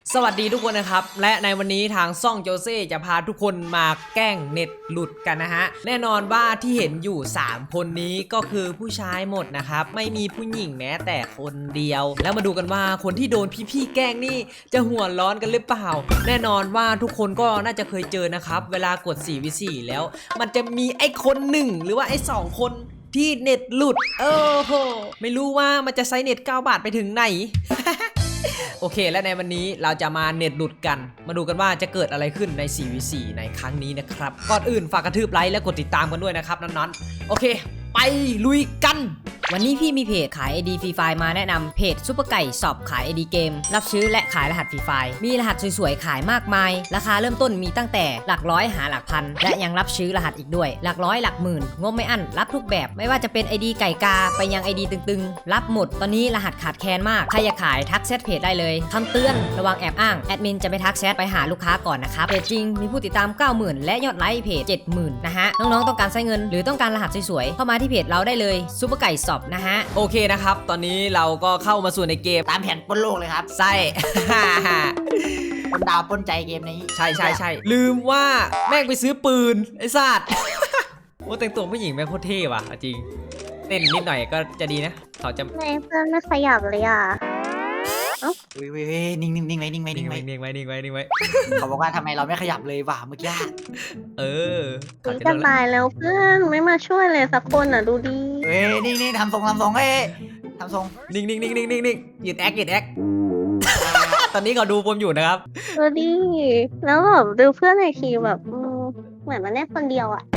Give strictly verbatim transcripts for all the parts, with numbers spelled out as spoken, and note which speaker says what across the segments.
Speaker 1: สวัสดีทุกคนนะครับและในวันนี้ทางซ่องโจเซ่จะพาทุกคนมาแกล้งเน็ตหลุดกันนะฮะแน่นอนว่าที่เห็นอยู่สามคนนี้ก็คือผู้ชายหมดนะครับไม่มีผู้หญิงแม้แต่คนเดียวแล้วมาดูกันว่าคนที่โดนพี่ๆแกล้งนี่จะหัวร้อนกันหรือเปล่าแน่นอนว่าทุกคนก็น่าจะเคยเจอนะครับเวลากด สี่ วี สี่ แล้วมันจะมีไอ้คนหนึ่งหรือว่าไอ้สองคนที่เน็ตหลุดเออโหไม่รู้ว่ามันจะไซเน็ตเก้าบาทไปถึงไหน โอเคและในวันนี้เราจะมาเน็ตหลุดกันมาดูกันว่าจะเกิดอะไรขึ้นใน สี่ วี สี่ ในครั้งนี้นะครับก่อนอื่นฝากกระทืบไลค์และกดติดตามกันด้วยนะครับนั้นๆโอเคไปลุยกันวันนี้พี่มีเพจขาย ไอ ดี ฟรีไฟล์มาแนะนำเพจซุปเปอร์ไก่สอบขาย ไอ ดี เกมรับซื้อและขายรหัสฟรีไฟล์มีรหัสสวยๆขายมากมายราคาเริ่มต้นมีตั้งแต่หลักร้อยหาหลักพันและยังรับซื้อรหัสอีกด้วยหลักร้อยหลักหมื่นงบไม่อั้นรับทุกแบบไม่ว่าจะเป็น ไอ ดี ไก่กาไปยัง ไอ ดี ตึงๆรับหมดตอนนี้รหัสขาดแคลนมากใครอยากขายทักแชทเพจได้เลยคำเตือนระวังแอบอ้างแอดมินจะไปทักแชทไปหาลูกค้าก่อนนะครับเพจจริงมีผู้ติดตาม เก้าหมื่น และยอดไลค์เพจ เจ็ดหมื่น นะฮะน้องๆต้องการใช้เงินหรือต้องการรหัสสวยๆเข้ามาที่เพจเราได้เลยซุปเปอร์ไก่สอบนะฮะโอเคนะครับตอนนี้เราก็เข้ามาสู่ในเกม
Speaker 2: ตามแผนปล้นโลกเลยครับ
Speaker 1: ใช่
Speaker 2: ปล้นดาวปล้นใจเกมนี้
Speaker 1: ใช่ใช่ใช่ลืมว่าแม่งไปซื้อปืนไอ้สัตว์ ว่าแต่งตัวผู้หญิงแม่งโคตรเท่ว่ะจริงเต้นนิดหน่อยก็จะดีนะเขาจะ
Speaker 3: ไม่เพื่อนไม่ขยับเลยอ่ะ
Speaker 2: วิววิวนิ่งนิ่งนิ่งไว้นิ่งไว้
Speaker 1: นิ่
Speaker 2: นิ่
Speaker 1: ง
Speaker 2: ง
Speaker 1: ไว้
Speaker 2: ไว้
Speaker 1: นิ่งไว้นิ่งไว้นิ่งไว้
Speaker 2: เขาบอกว่าทำไมเราไม่ขยับเลยว่ะเมื่อกี้
Speaker 1: เออ
Speaker 3: นี่จะตายแล้วเพื่อนไม่มาช่วยเลยสักคนอ่ะดูดิ
Speaker 2: เฮ้ยนิ่งนิ่งทำทรงทำทรงเฮ้ยทำทรง
Speaker 1: นิ่งนิ่งนิ่งนิ่งนิ่งนิ่งยืดแอคยืดแอค ตอนนี้เขาดูผมอยู่นะครับ
Speaker 3: ดูดิแล้วแบบดูเพื่อนในทีมแบบเหมือนมันเล่นคนเดียวอ่ะ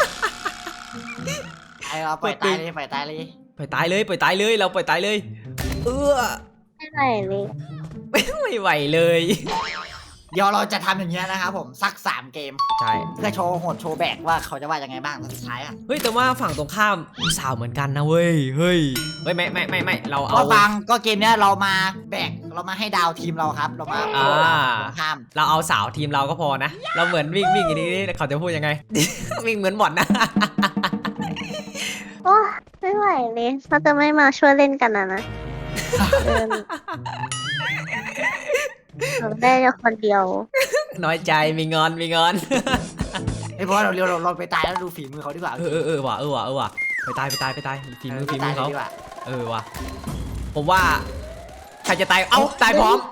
Speaker 2: ไอเราปล่อยตายเลยปล่อยตายเลย
Speaker 1: ปล่อยตายเลยปล่อยตายเลยเราปล่อยตายเลยเออ
Speaker 3: ไม่ไหวเลย
Speaker 1: ไม่ไหวเลย
Speaker 2: เดี๋ยวเราจะทำอย่างเงี้ยนะครับผมสักสามเกม
Speaker 1: ใช่
Speaker 2: เพื่อโชว์โหดโชว์แบกว่าเขาจะว่ายังไงบ้างสุดท้ายอ่ะ
Speaker 1: เฮ้ยแต่ว่าฝั่งตรงข้ามสาวเหมือนกันนะเว้ยเฮ้ยเฮ้ยไม่ไม่ไม่ไม่เราเอา
Speaker 2: ก็ฟังก็เกมเนี้ยเรามาแบกเรามาให้ดาวทีมเราครับเรามา
Speaker 1: อ่า
Speaker 2: ข้าม
Speaker 1: เราเอาสาวทีมเราก็พอนะเราเหมือนวิ่งวิ่งอย่างนี้เขาจะพูดยังไง วิ่งเหมือนบอลนะ
Speaker 3: โอ้ไม่ไหวเลยเขาจะไม่มาช่วยเล่นกันนะนะได้แค่คนเดียว
Speaker 1: น้อยใจมีงอนมีงอน
Speaker 2: ไอ้เพราะเราเร็วเราเราไปตายแล้วดูฝีมือเขาดีกว่า
Speaker 1: เออเออเออว่ะเออว่ะเออว่ะไปตายไปตายไปตายฝีมือฝีมือเขาเออว่ะผมว่าใครจะตายเอ้าตายพร้อม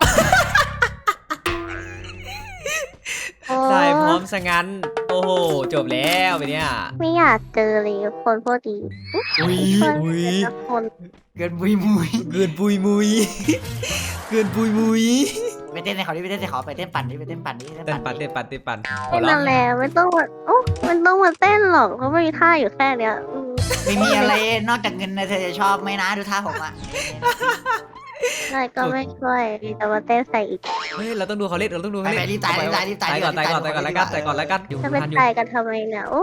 Speaker 1: ตายพร้อมซะงั้นโอ้โหจบแล้วไปเนี่ย
Speaker 3: ไม่อยากเจอเลยคนพวกดี
Speaker 1: อุ้ยอุ้ย
Speaker 2: เกินปุยมุย
Speaker 1: เกินปุยมุยเกินปุยมุย
Speaker 2: ไปเต้นในเขาดิไปเต้นในเขาไปเต้นปั่นดิไปเต้นปั่นดิ
Speaker 1: เต้นปั่นเต้นปั่นเต้นปั่น
Speaker 3: เต้นมาแล้วไม่ต้องมาโอ้มันต้องมาเต้นหรอกเพราะไม่มีท่าอยู่แค่เนี้ย
Speaker 2: ไม่มีอะไรนอกจากเงินนะเธอจะชอบไหมนะดูท่าผมอะ
Speaker 3: อะไรก็ไม่ช่วยแต่มาเต้นใส่อีก
Speaker 1: เฮ้ยเราต้องดูเขาเล่นเราต้องดูเขาเล่น
Speaker 2: รีบตายรีบตายรีบตาย
Speaker 1: ก่อนตายก่อนตายก่อนแล้วกันตายก่อนแล้วกัน
Speaker 3: จะเป็นตายกันทำไมเนี่ยโอ้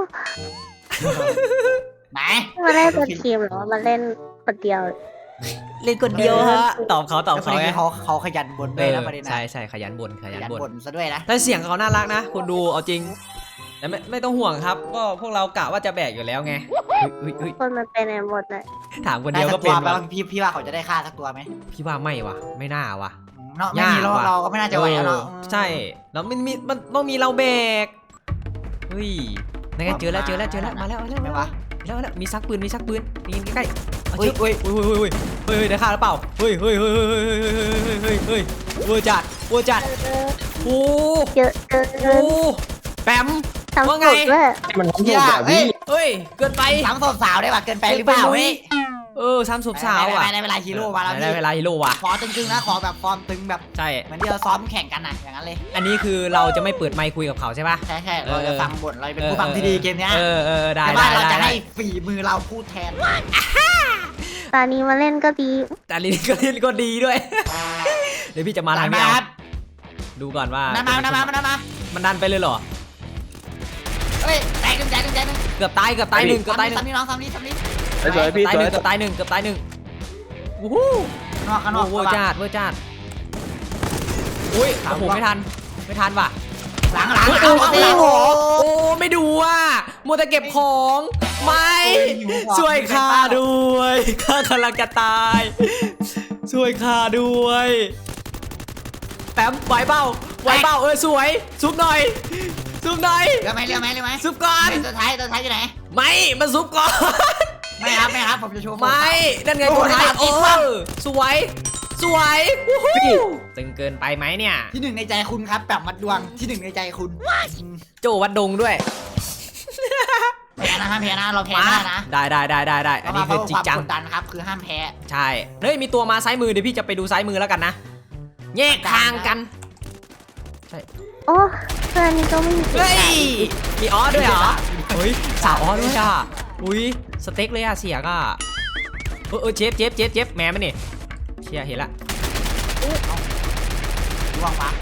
Speaker 2: ไหน
Speaker 3: มาเล่นเป็นทีมหรอมาเล่นคนเดียว
Speaker 1: เล่นคนเดียวฮะตอบเขาตอบเขาไง
Speaker 2: เขาเขาขยันบ่นด้วยนะประเด็นนะ
Speaker 1: ใช่ใช่ขยันบ่นขยันบ่น
Speaker 2: ซะด้วยนะ
Speaker 1: แต่เสียงเขาน่ารักนะคุณดูเอาจริงแต่ไม่ไม่ต้องห่วงครับก็พวกเรากะว่าจะแบกอยู่แล้วไง
Speaker 3: คนมันเป็นในหมดเลย
Speaker 1: ถามคนเดียวก็เป็น
Speaker 2: ว่ะพี่พี่ว่าเขาจะได้ฆ่าสักตัวไหม
Speaker 1: พี่ว่าไม่ว่ะไม่น่าว่ะ
Speaker 2: เนาะไม่มีเราเราก็ไม่น่าจะไหวแล้ว
Speaker 1: ใช่แล้วมันมีมันต้องมีเราแบกเฮ้ยนั่นไงเจอแล้วเจอแล้วเจอแล้วมาแล้วมาแล้วมาแล้วแล้วมีซักปืนมีซักปืนนี่ใกล้ๆเฮ้ยเฮ้ยเฮ้ยเฮ้ยเฮ้ยเฮ้ยได้ฆ่าหรือเปล่าเฮ้ยเฮ้ยเฮ้ยเฮ้ยเฮ้ยเฮ้ยเวอร์จัดเวอร์จัดโอ้
Speaker 3: เยอะเกิน
Speaker 1: โอ้แปมว่าไง
Speaker 4: มันทำยากพี่
Speaker 1: เฮ้ยเกินไป
Speaker 2: สามศพสาวได้ป่ะเกินไปหรือเปล่าเฮ้ย
Speaker 1: เออสามศพสาวอ่ะ
Speaker 2: ได้เวลาฮีโร่มาแล้ว
Speaker 1: ได้เวลาฮีโร่ว่ะ
Speaker 2: ขอตึงๆนะขอแบบฟอร์มตึงแบบ
Speaker 1: ใช่
Speaker 2: เหมือนที่เราซ้อมแข่งกันนะอย่างนั้นเลย
Speaker 1: อันนี้คือเราจะไม่เปิดไมค์คุยกับเขาใช่ป่ะ
Speaker 2: ใช่ใช่เราจะฟังบทเราเป็นผู้ฟังที่ดีเกมนี้
Speaker 1: เออเออได้
Speaker 2: ได้เราจะให้ฝีมือเราพูดแทน
Speaker 3: ตอนนี้มาเล่นก็ดี
Speaker 1: ตอนนี้ก็เล่นก็ดีด้วยเดี๋ยวพี่จะมาทางนี้ดูก่อนว่า
Speaker 2: นามานามานามา
Speaker 1: มันดันไปเลยเหรอ
Speaker 2: เฮ้ยแตกหนึ่งแตกหนึ่งแตกหนึ่ง
Speaker 1: เกือบตายเกือบตายหนึ่งเกือบตายหนึ่ง
Speaker 2: ซ้ำนี่น้องซ้ำนี่ซ้ำนี่
Speaker 4: สวยพี่
Speaker 1: ตายหนึ่งเกือบตายหนึ่งเกือบตายหนึ่งโอ้โห
Speaker 2: นอกข้างนอก
Speaker 1: เวอร์จัดเวอร์จัดอุ้ยโอ้โหไม่ทันไม่ทันว่ะ
Speaker 2: หลังหลัง
Speaker 1: โอ้โหโอ้ไม่ดูอ่ะมัวแต่เก็บของไม่ช่วยข้าด้วยข้ากำลังจะตายช่วยข้าด้วยแปมไหวเปล่าไหวเปล่าเออสวยซุปหน่อยซุปหน่อย
Speaker 2: เรือไหมเรือไหมเรือไหม
Speaker 1: ซุปก่อน
Speaker 2: ตัวท้ายตัวท้ายอยู่ไหน
Speaker 1: ไม่มันซุปก่อน
Speaker 2: ไม่ครับไม่ครับผมจะโชว์
Speaker 1: ไม่นั่นไงตัวท้ายเออสวยสวยตึงเกินไปไหมเนี่ย
Speaker 2: ที่หนึ่งในใจคุณครับแบบมัดดวงที่หนึ่งในใจคุณ
Speaker 1: โจวัดดงด้วย
Speaker 2: แพ้นะห้ามแพ้นะเราแพ้ไม่ได้นะ
Speaker 1: ได้ได้ได้ได้ได้อันนี้คือจริงจัง
Speaker 2: ความกดดันครับคือห้ามแพ้
Speaker 1: ใช่เฮ้ยมีตัวมาซ้ายมือเดี๋ยวพี่จะไปดูซ้ายมือแล้วกันนะแยกทางกัน
Speaker 3: โอ้เพื่อนนี่ก็ไม่มี
Speaker 1: เฮ้ยมีออสด้วยเหรอเฮ้ยสาวออสด้วยอ่ะอุ้ยสเต็กเลยอ่ะเสียก็เออเออเจ็บเจ็บเจ็บเจ็บแม่มันนี่เชียเห็นละ
Speaker 2: ร่วงปะ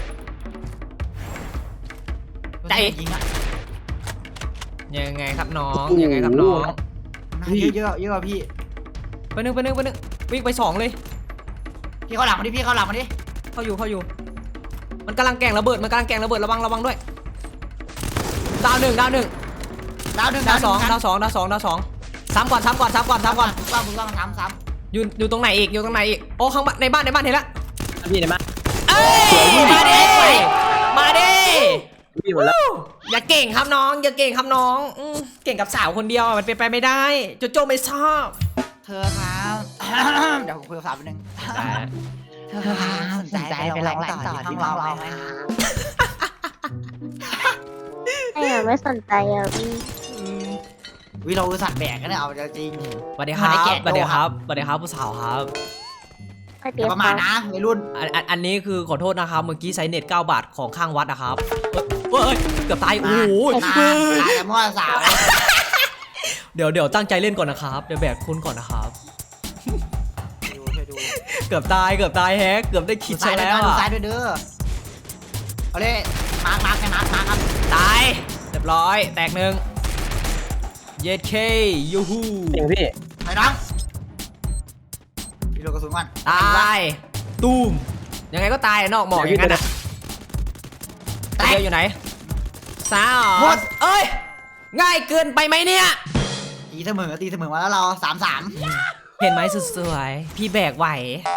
Speaker 1: ใจ
Speaker 2: ยิงอ่ะ
Speaker 1: ยังไงครับน้องยังไงครับน้อง
Speaker 2: เยอะเยอะเยอะพี่
Speaker 1: ไปนึงไปนึงไปนึงวิ่งไปสองเลย
Speaker 2: พี่เขาหลังมาดิพี่เขาหลังมาดิ
Speaker 1: เข้าอยู่เข้าอยู่มันกำลังแกล้งระเบิดมันกำลังแกล้งระเบิดระวังระวังด้วยดาวหนึ่งดาวหนึ่ง
Speaker 2: ดาวหนึ่ง
Speaker 1: ดาวสองดาวสองดาวสองดาวสองซ้ำก่อนซ้ำก่อนซ้ำก่อนซ้ำก่อน
Speaker 2: ต้องมึงต้องซ้ำซ้
Speaker 1: อยู่อยู่ตรงไหนอีกอยู่ตรงไหนอีกโอ้ข้างบ้านในบ้านในบ้านเห็นละ
Speaker 4: พี่ได้ไหม
Speaker 1: เอ้ยมาดิมาดิ
Speaker 4: พี่หมดแล้ว
Speaker 1: อย่าเก่งครับน้องอย่าเก่งครับน้องอืมเก่งกับสาวคนเดียวมันเป็นไปไม่ได้โจโจ้ไม่ชอบ
Speaker 2: ำเธอครับเดี๋ยวผมคุยกับสาวแป๊บนึงเธอครับสนใจไปลองต่อที่ห้องเราไหมคะ
Speaker 3: ไม่อะไม่สนใจอ่ะพี่
Speaker 2: วิเราสัตว์แบกกันเนี่ยเอาจริง
Speaker 1: สวัสดีครับ
Speaker 2: ไม่ได้แกะ
Speaker 1: สวัสดี
Speaker 2: โด
Speaker 1: ครับ สวัสดีครับผู้สาวครับ
Speaker 3: ไม่
Speaker 2: อ
Speaker 3: เดี๋ยว
Speaker 2: ย่าประมาทนะวัยรุ่น
Speaker 1: อันอันอันนี้คือขอโทษนะครับเมื่อกี้ใช้เน็ตเก้าบาทของข้างวัดนะครับเฮ้ยเกือบตายโอ้โห
Speaker 2: มาแต่มั่วสาว
Speaker 1: เดี๋ยวเดี๋ยวตั้งใจเล่นก่อนนะครับเดี๋ยวแบกคุณก่อนนะครับ
Speaker 2: ดูช่วยดู
Speaker 1: เกือบตายเกือบตายแฮกเกือบได้คิด
Speaker 2: ซ้า
Speaker 1: ซะ
Speaker 2: ยด้วย
Speaker 1: แล้ว
Speaker 2: นะดู
Speaker 1: อ่ะ
Speaker 2: ซ้ายด้วยเด้อเอาเลยมาร์คมาร์คให้มาร์คมาร์คครับ
Speaker 1: ตายเรียบร้อยแตกหนึ่งเย็ดเคยูฮู
Speaker 4: จริงพี่
Speaker 2: ไปน้องพี่โลกระสุนก่อน
Speaker 1: ตายตูมยังไงก็ตายนอกหมอกอย่างนั้นอ่ะ
Speaker 2: แตก
Speaker 1: เดียวอยู่ไหนสาวเอ้ยง่ายเกินไปไหมเนี่ย
Speaker 2: ตีเสมอตีเสมอมาแล้วเราสามสาม
Speaker 1: เห็นไหมสุดสวยพี่แบกไหว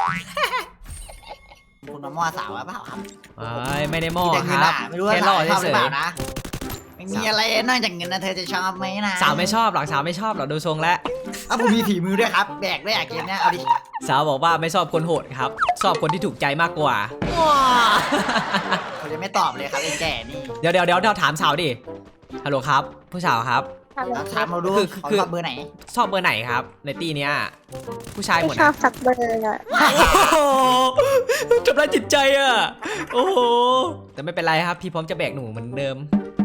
Speaker 2: คุณมามั่วสาวหรือเปล่าครับ
Speaker 1: เอ้ยไม่ได้มอ
Speaker 2: มีแต่
Speaker 1: ค
Speaker 2: เงิน
Speaker 1: รับ
Speaker 2: อ่ะไม่รู้ว่า
Speaker 1: แค่
Speaker 2: สา
Speaker 1: ล่อ
Speaker 2: วชอบ
Speaker 1: เฉ
Speaker 2: หรือย เปล่านะไม่มีอะไรนอกจากเงินนะเธอจะชอบไหมนะ
Speaker 1: ๆสาวไม่ชอบหรอกสาวไม่ชอบหรอกดูทรงแล้ว
Speaker 2: อ่ะผมมีฝีมือด้วยครับแบกด้วยอ่ะเกมเนี้ยเอาดิ
Speaker 1: สาวบอกว่าไม่ชอบคนโหดครับ ชอบคนที่ถูกใจมากกว่า
Speaker 2: เขาจะไม่ตอบเลยครับไอ้แก่นี่
Speaker 1: เดี๋ยวเดี๋ยวเดี๋ยวเราถามสาวดิฮัลโหลครับผู้สาวครับ
Speaker 3: ทำ
Speaker 2: เราถามเราดู
Speaker 1: คือ
Speaker 2: เขา
Speaker 1: คือ
Speaker 2: ชอบเบอร์ไหน
Speaker 1: ชอบเบอร์ไหนครับ ในตีเนี้ยผู้ชายหม
Speaker 3: ไม่
Speaker 1: ด
Speaker 3: ชอ
Speaker 1: นะ
Speaker 3: บสักเบอร์อ่ะ
Speaker 1: โอ้โหทำร้ายจิตใจอ่ะโอ้โหแต่ไม่เป็นไรครับพี่พร้อมจะแบกหนูเหมือนเดิม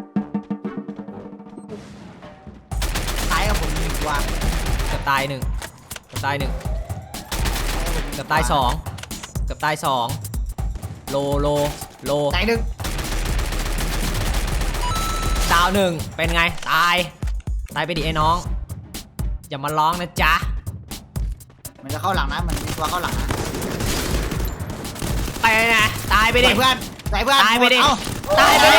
Speaker 2: ซ้ายกับผมมีตัว
Speaker 1: เกือบตายหนึ่งเกือบตายหนึ่งเกือบตายสองเกือบตายสองโลโลโล
Speaker 2: ซ้ายหนึ่ง
Speaker 1: ดาวหนึ่งเป็นไงตายตายไปดิไอ้น้องอย่ามาร้องนะจ๊ะ
Speaker 2: มันจะเข้าหลังนะเหมือนมีตัวเข้าหลังนะ
Speaker 1: ไปนะตายไปดิ
Speaker 2: ใส่เพื่อนใส่เพื่อน
Speaker 1: ตายไปดิ
Speaker 2: เอ้
Speaker 1: ตายไปดิ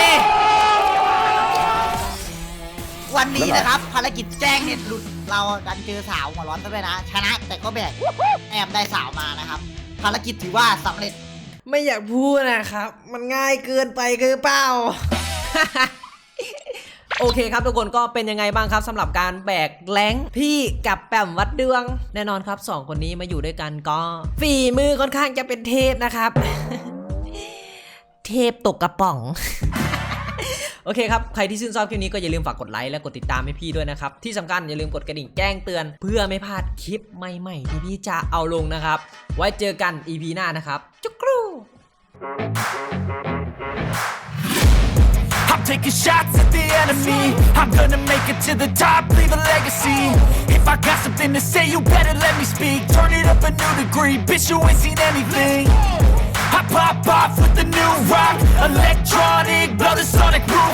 Speaker 2: วันนี้นะครับภารกิจแจ้งเน็ตหลุดเราดันเจอสาวหัวร้อนซะด้วยนะ ชนะแต่ก็แบกแอบได้สาวมานะครับ ภารกิจถือว่าสำเร็จ
Speaker 1: ไม่อยากพูดนะครับ มันง่ายเกินไปคือเปล่า โอเคครับทุกคนก็เป็นยังไงบ้างครับสำหรับการแบกแรงพี่กับแปมวัดดวง แน่นอนครับสองคนนี้มาอยู่ด้วยกันก็ฝีมือค่อนข้างจะเป็นเทพนะครับ เทพตกกระป๋อง โอเคครับใครที่ชื่นชอบคลิปนี้ก็อย่าลืมฝากกดไลค์และกดติดตามให้พี่ด้วยนะครับที่สำคัญอย่าลืมกดกระดิ่งแจ้งเตือน เพื่อไม่พลาดคลิปใหม่ๆที่พี่จะเอาลงนะครับไว้เจอกัน อี พี หน้านะครับจุกรู
Speaker 5: I'm taking shots at the enemy. I'm gonna make it to the top, leave a legacy. If I got something to say, you better let me speak. Turn it up a new degree, bitch, you ain't seen anything. I pop off with the new rock, electronic, blow the sonic roof.